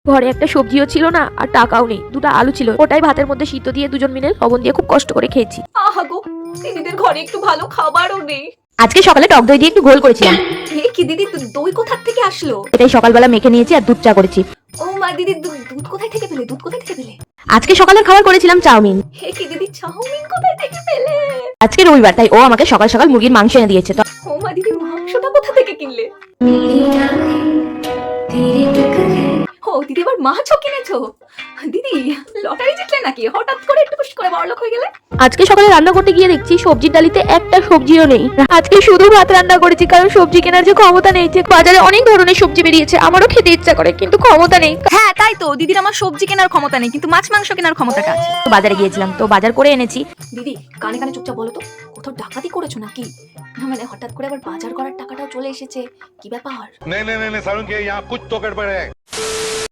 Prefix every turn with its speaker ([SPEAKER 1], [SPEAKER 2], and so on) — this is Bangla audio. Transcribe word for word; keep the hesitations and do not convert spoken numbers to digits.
[SPEAKER 1] ঘরে একটা সবজিও ছিল না আর টাকাও নেই, দুটো আলু ছিল, ওটাই ভাতের মধ্যে সিদ্ধ দিয়ে দুজন মিলে লবণ দিয়ে খুব কষ্ট করে খেয়েছি।
[SPEAKER 2] আহা গো, দিদিদের ঘরে একটু ভালো খাবারও নেই।
[SPEAKER 1] আজকে সকালে টক দই দিয়ে একটু ঘোল করেছিলাম,
[SPEAKER 2] এ কি দিদি, দু- দই কোথা থেকে আসলো?
[SPEAKER 1] এটাই সকালবেলা মেখে নিয়েছি আর দুধ চা করেছি।
[SPEAKER 2] ও মা, দিদি দু- দুধ কোথায় থেকে পেলে? দুধ কোথায় থেকে পেলে?
[SPEAKER 1] আজকে সকালের খাবার করেছিলাম চাউমিন।
[SPEAKER 2] হে কি দিদি, চাউমিন কোথায় থেকে পেলে?
[SPEAKER 1] আজকে রবিবার, তাই ও আমাকে সকাল সকাল মুরগির মাংস এনে দিয়েছে। তো
[SPEAKER 2] ও মা, দিদি মাংসটা কোথা থেকে কিনলে? ও দিদি, আবার মাছও কিনেছো? দিদি লটারি জিতলে নাকি? হঠাৎ করে একটু খুশ করে বড়লোক হয়ে গেলে।
[SPEAKER 1] আজকে সকালে রান্না করতে গিয়ে দেখছি সবজির ডালিতে একটা সবজিও নেই। আজকে শুধু ভাত রান্না করেছি, কারণ সবজি কেনার যে ক্ষমতা নেই। যে বাজারে অনেক ধরনের সবজি বেরিয়েছে, আমারও খেতে ইচ্ছা করে কিন্তু ক্ষমতা নেই।
[SPEAKER 2] হ্যাঁ তাই তো, দিদির আমার সবজি কেনার ক্ষমতা নেই, কিন্তু মাছ মাংস কেনার ক্ষমতাটা আছে।
[SPEAKER 1] তো বাজারে গিয়েছিলাম, তো বাজার করে এনেছি।
[SPEAKER 2] দিদি কানে কানে চুপচাপ বলো তো, কোথাও ডাকাতি করেছো নাকি? না মানে হঠাৎ করে আবার বাজার করার টাকাটাও চলে এসেছে, কি ব্যাপার?
[SPEAKER 3] नहीं नहीं नहीं नहीं सारुण के यहाँ कुछ तो गड़बड़ है।